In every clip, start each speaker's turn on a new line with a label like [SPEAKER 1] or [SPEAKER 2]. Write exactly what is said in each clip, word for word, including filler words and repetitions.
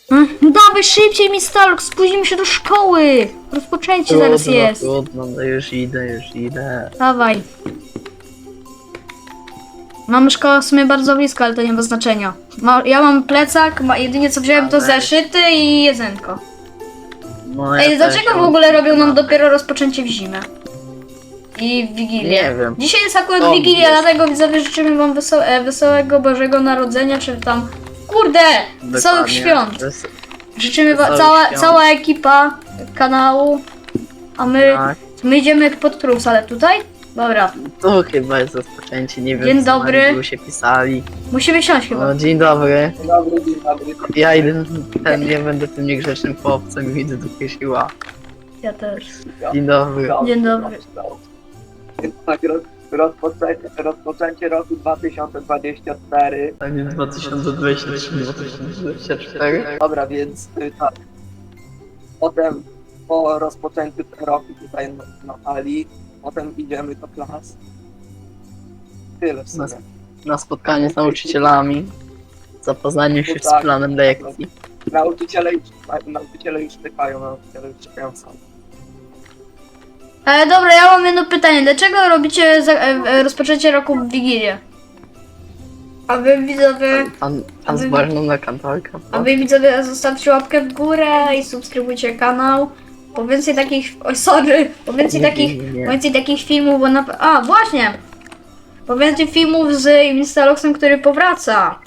[SPEAKER 1] No dawaj szybciej, Mistalk, spóźnimy się do szkoły. Rozpoczęcie zaraz
[SPEAKER 2] Trudno,
[SPEAKER 1] jest.
[SPEAKER 2] Trudno, no już idę, już idę.
[SPEAKER 1] Dawaj. Mamy szkołę w sumie bardzo blisko, ale to nie ma znaczenia. Ma, ja mam plecak, ma, jedynie co wziąłem to
[SPEAKER 2] Ale-
[SPEAKER 1] zeszyty i jedzenko.
[SPEAKER 2] No, ja
[SPEAKER 1] Ej,
[SPEAKER 2] też
[SPEAKER 1] dlaczego w
[SPEAKER 2] mam
[SPEAKER 1] ogóle robią nam
[SPEAKER 2] kilka.
[SPEAKER 1] dopiero rozpoczęcie w zimę? I w Wigilię.
[SPEAKER 2] Nie wiem.
[SPEAKER 1] Dzisiaj jest akurat
[SPEAKER 2] To
[SPEAKER 1] Wigilia,
[SPEAKER 2] jest.
[SPEAKER 1] dlatego widzowie życzymy wam weso e, wesołego Bożego Narodzenia, czy tam... Kurde! Wesołych
[SPEAKER 2] Dokładnie.
[SPEAKER 1] świąt!
[SPEAKER 2] Wes-
[SPEAKER 1] Życzymy wam,
[SPEAKER 2] Wesołych
[SPEAKER 1] cała,
[SPEAKER 2] świąt.
[SPEAKER 1] cała ekipa kanału, a my,
[SPEAKER 2] Tak.
[SPEAKER 1] my idziemy pod Prus, ale tutaj? Dobra,
[SPEAKER 2] Tu chyba jest rozpoczęcie, nie wiem.
[SPEAKER 1] Dzień
[SPEAKER 2] co
[SPEAKER 1] dobry.
[SPEAKER 2] Tu się pisali.
[SPEAKER 1] musimy siąść chyba.
[SPEAKER 2] No, dzień dobry.
[SPEAKER 3] Dzień dobry, dzień dobry.
[SPEAKER 2] Ja idę, ten, nie będę tym niegrzecznym chłopcem, idę do piesiła.
[SPEAKER 1] Ja też.
[SPEAKER 2] Dzień dobry.
[SPEAKER 1] Dzień dobry.
[SPEAKER 3] Tak, roz, rozpoczęcie, rozpoczęcie roku dwa tysiące dwudziestego czwartego.
[SPEAKER 2] Tak, dwa tysiące dwudziesty trzeci dwa tysiące dwudziesty czwarty.
[SPEAKER 3] Dobra, więc y, tak. Potem po rozpoczęciu tego roku tutaj na, na hali, potem idziemy do klas. Tyle w sumie.
[SPEAKER 2] Na spotkanie z nauczycielami. Zapoznanie się z
[SPEAKER 3] Tak.
[SPEAKER 2] planem lekcji.
[SPEAKER 3] Nauczyciele już, na- nauczyciele już czekają, nauczyciele już czekają sam.
[SPEAKER 1] E, dobra, ja mam jedno pytanie. Dlaczego robicie za, e, e, rozpoczęcie roku w Wigilię? A wy widzowie,
[SPEAKER 2] Pan, pan z ważną na kantorkę.
[SPEAKER 1] a wy widzowie zostawcie łapkę w górę i subskrybujcie kanał. Po więcej takich, oj sorry, po więcej
[SPEAKER 2] Nie,
[SPEAKER 1] takich,
[SPEAKER 2] nie, nie.
[SPEAKER 1] po więcej takich filmów, bo na, a właśnie, po więcej filmów z Instaloxem, który powraca.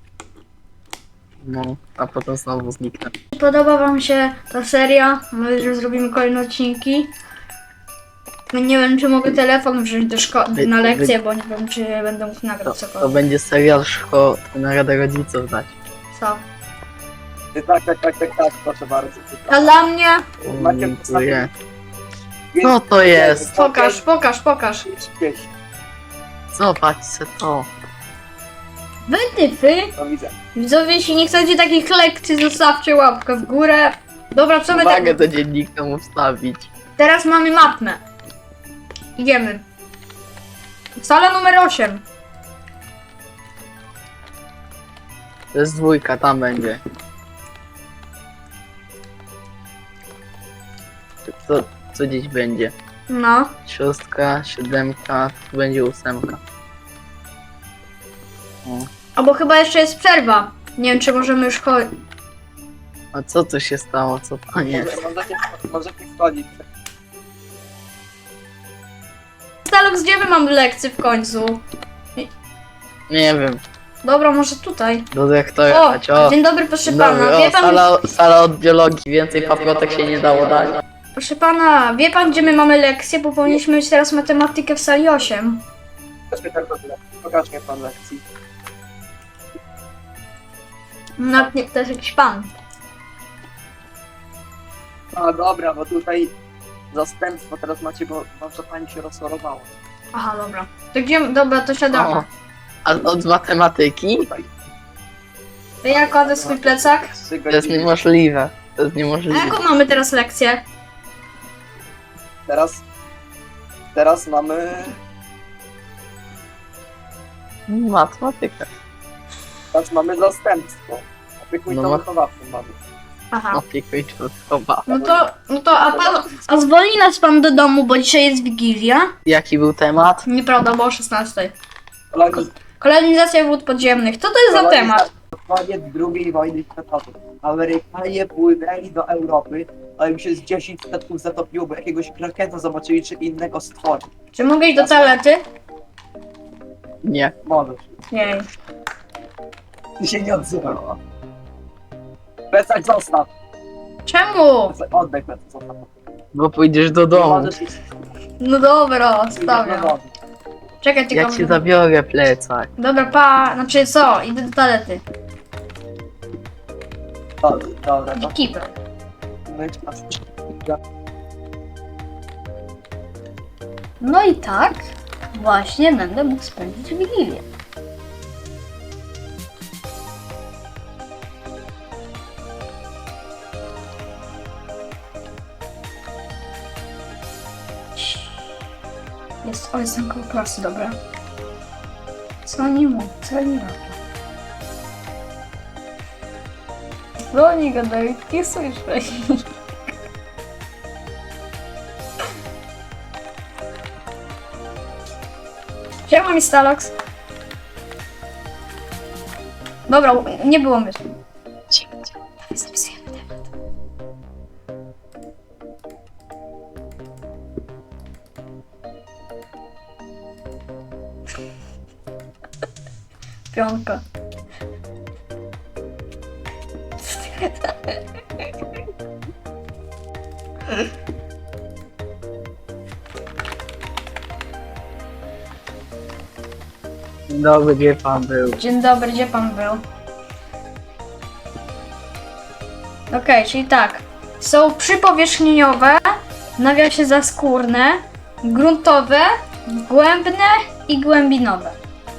[SPEAKER 2] No, a potem znowu zniknę.
[SPEAKER 1] Podoba wam się ta seria? My już zrobimy kolejne odcinki. Nie wiem, czy mogę telefon wziąć do szkoły
[SPEAKER 2] Wy-
[SPEAKER 1] na
[SPEAKER 2] wy-
[SPEAKER 1] lekcję, bo nie wiem, czy będę mógł
[SPEAKER 2] To,
[SPEAKER 1] nagrać
[SPEAKER 2] to
[SPEAKER 1] cokolwiek.
[SPEAKER 2] będzie serial szko... na Radę Rodziców dać.
[SPEAKER 1] Co?
[SPEAKER 3] Y, Tak, tak, tak, tak, tak, proszę bardzo.
[SPEAKER 1] A dla mnie?
[SPEAKER 3] Macie
[SPEAKER 2] Dziękuję.
[SPEAKER 3] Więc-
[SPEAKER 2] Co to jest?
[SPEAKER 1] Pokaż, pokaż, pokaż.
[SPEAKER 3] Gdzieś,
[SPEAKER 2] Zobaczcie to.
[SPEAKER 1] Wytyfy?
[SPEAKER 3] to widzę.
[SPEAKER 1] Widzowie, jeśli nie chcecie takich lekcji, zostawcie łapkę w górę. Dobra, co my
[SPEAKER 2] Uwagę
[SPEAKER 1] te...
[SPEAKER 2] do dziennika mu wstawić.
[SPEAKER 1] Teraz mamy matmę. Idziemy. Sala numer osiem.
[SPEAKER 2] To jest dwójka, tam będzie. Co, co dziś będzie?
[SPEAKER 1] No.
[SPEAKER 2] Szóstka, siódemka, tu będzie ósemka. O.
[SPEAKER 1] Albo chyba jeszcze jest przerwa. Nie wiem, czy możemy już chodzić.
[SPEAKER 2] A co tu się stało? Co to jest?
[SPEAKER 3] Może- Możecie, możecie wchodzić.
[SPEAKER 1] Stalok, gdzie my mamy lekcję w końcu?
[SPEAKER 2] Nie wiem.
[SPEAKER 1] Dobra, może tutaj.
[SPEAKER 2] Do dyrektora
[SPEAKER 1] O,
[SPEAKER 2] dać. O,
[SPEAKER 1] dzień dobry, proszę
[SPEAKER 2] dzień
[SPEAKER 1] pana.
[SPEAKER 2] dobry.
[SPEAKER 1] Wie
[SPEAKER 2] O,
[SPEAKER 1] pan,
[SPEAKER 2] sala, sala od biologii. Więcej paprotek się nie dało dać.
[SPEAKER 1] proszę pana, wie pan, gdzie my mamy lekcję? Bo powinniśmy mieć teraz matematykę w sali osiem.
[SPEAKER 3] Pokażmy tak dobrze. Pokaż mnie pan lekcji.
[SPEAKER 1] No, nie, to jest jakiś pan.
[SPEAKER 3] A dobra, bo tutaj zastępstwo teraz macie, bo wasza pani się rozchorowała.
[SPEAKER 1] Aha, dobra. To gdzie, dobra, to siadamy.
[SPEAKER 2] O, a od matematyki?
[SPEAKER 3] Tutaj.
[SPEAKER 1] To ja kładę swój plecak.
[SPEAKER 3] Trzy
[SPEAKER 2] To jest
[SPEAKER 3] godziny.
[SPEAKER 2] niemożliwe. To jest
[SPEAKER 1] A
[SPEAKER 2] niemożliwe.
[SPEAKER 1] jaką mamy teraz lekcję?
[SPEAKER 3] Teraz, teraz mamy,
[SPEAKER 2] Matematyka.
[SPEAKER 3] teraz mamy zastępstwo. Opiekuńcą
[SPEAKER 2] No.
[SPEAKER 3] wychowawczą mamy.
[SPEAKER 1] Aha.
[SPEAKER 2] Opiekuńczo chyba.
[SPEAKER 1] No to, no to, a pan, a zwolni nas pan do domu, bo dzisiaj jest Wigilia?
[SPEAKER 2] Jaki był temat?
[SPEAKER 1] Nieprawda, bo o szesnastej.
[SPEAKER 3] Koloniz-
[SPEAKER 1] Kolonizacja wód podziemnych. Co to jest za temat?
[SPEAKER 3] Koniec drugiej wojny światowej. Amerykanie płynęli do Europy, ale im się z dziesięć statków zatopiło, bo jakiegoś krakena zobaczyli, czy innego stworzy.
[SPEAKER 1] Czy mogę iść do toalety?
[SPEAKER 2] Nie.
[SPEAKER 3] Możesz.
[SPEAKER 1] Nie.
[SPEAKER 3] Ty się nie odzywała. Plecak zostaw.
[SPEAKER 1] Czemu?
[SPEAKER 3] Plecak- Oddaj plecak, zostaw.
[SPEAKER 2] Bo pójdziesz do
[SPEAKER 3] Nie
[SPEAKER 2] domu.
[SPEAKER 3] możesz iść-
[SPEAKER 1] No dobra,
[SPEAKER 3] iść do
[SPEAKER 1] stawiam.
[SPEAKER 3] domu.
[SPEAKER 1] Czekaj, tylko...
[SPEAKER 2] Ja ci zabiorę plecak.
[SPEAKER 1] Dobra, pa, znaczy co? Idę do toalety.
[SPEAKER 3] Dobra, dobra, to
[SPEAKER 1] Ekipę.
[SPEAKER 3] myć pas.
[SPEAKER 1] No i tak właśnie będę mógł spędzić Wigilię. Jest, o, jestem koło klasy, dobra. Co oni mówią? Co oni robią? Co oni gadają? Nie słyszę. Siema mi Stalox. Dobra, nie było myśli. Zapisujemy temat. Piątka.
[SPEAKER 2] Dzień dobry, gdzie pan był?
[SPEAKER 1] Dzień dobry, gdzie pan był? Okej, czyli tak. Są przypowierzchnieniowe, w nawiasie zaskórne, gruntowe, głębne i głębinowe.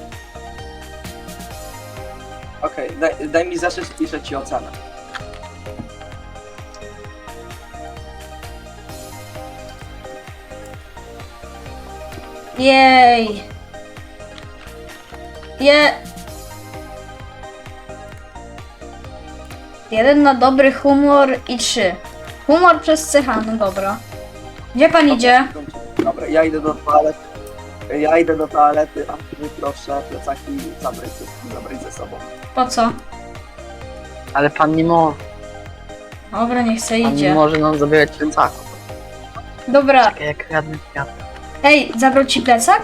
[SPEAKER 3] Okej, daj, daj mi zacząć, piszę ci ocenę.
[SPEAKER 1] Jej. Je... Jeden na dobry humor i trzy. Humor przez cecha, no dobra. Gdzie pan idzie?
[SPEAKER 3] Dobra, ja idę do toalety. Ja idę do toalety, a ty proszę plecaki zabrać, ze- zabrać ze sobą.
[SPEAKER 1] Po co?
[SPEAKER 2] Ale pan nie może,
[SPEAKER 1] Dobra, niech se
[SPEAKER 2] pan nie
[SPEAKER 1] idzie.
[SPEAKER 2] może nam zabierać plecaków.
[SPEAKER 1] Dobra.
[SPEAKER 2] Czekaj, jak radny świat.
[SPEAKER 1] Ej, zabrał ci plecak?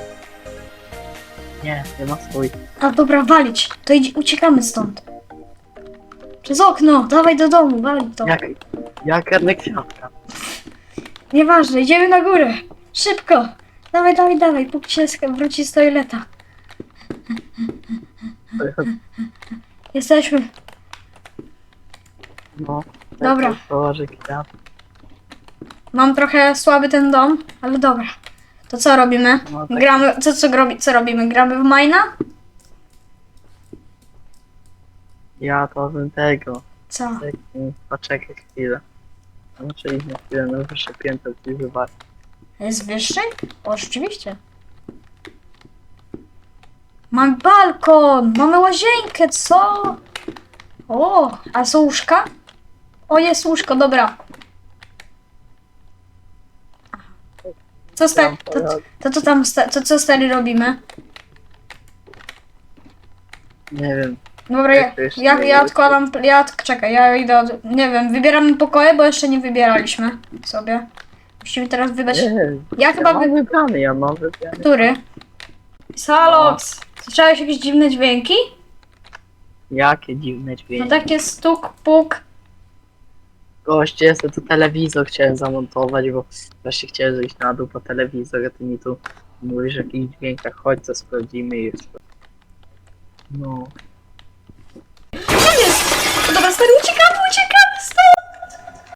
[SPEAKER 2] Nie, nie ma swój.
[SPEAKER 1] A dobra, walić. To idź, uciekamy stąd. Przez okno, dawaj do domu, walić to.
[SPEAKER 2] Jak, jak radny kwiatka.
[SPEAKER 1] Nieważne, idziemy na górę. Szybko. Dawaj, dawaj, dawaj, póki się sk- wróci z toaleta. Jesteśmy.
[SPEAKER 2] No,
[SPEAKER 1] Dobra.
[SPEAKER 2] Położę kwiat.
[SPEAKER 1] Mam trochę słaby ten dom, ale dobra. To co robimy?
[SPEAKER 2] No, tak.
[SPEAKER 1] Gramy, co, co, robi, co robimy? Gramy w Mina?
[SPEAKER 2] Ja to bym tego.
[SPEAKER 1] Co?
[SPEAKER 2] Tak, mm, poczekaj chwilę. Muszę iść na chwilę na wyższe piętro i zobaczyć.
[SPEAKER 1] Jest wyższy? O, rzeczywiście. Mamy balkon, mamy łazienkę, co? O, a są łóżka? O, jest łóżko, dobra. Co sta- to, to, to, to tam, sta- to co stary robimy?
[SPEAKER 2] Nie wiem.
[SPEAKER 1] Dobra, ja,
[SPEAKER 2] Jak to jeszcze
[SPEAKER 1] ja,
[SPEAKER 2] nie
[SPEAKER 1] ja
[SPEAKER 2] jest?
[SPEAKER 1] odkładam, ja, od- czekaj, ja idę, od, nie wiem, wybieramy pokoje, bo jeszcze nie wybieraliśmy sobie. Musimy teraz wybrać,
[SPEAKER 2] Nie,
[SPEAKER 1] ja
[SPEAKER 2] ja
[SPEAKER 1] chyba
[SPEAKER 2] mam
[SPEAKER 1] wy...
[SPEAKER 2] wybrany, ja mam wybrany.
[SPEAKER 1] który? Salox! Słyszałeś jakieś dziwne dźwięki?
[SPEAKER 2] Jakie dziwne
[SPEAKER 1] No
[SPEAKER 2] dźwięki.
[SPEAKER 1] takie stuk, puk.
[SPEAKER 2] Goście, ja sobie tu telewizor chciałem zamontować, bo właśnie chciałem zejść na dół po telewizor, a ty mi tu mówisz o jakichś dźwiękach. Chodź, co sprawdzimy jeszcze. No.
[SPEAKER 1] Co jest? Dobra, stary, uciekaj!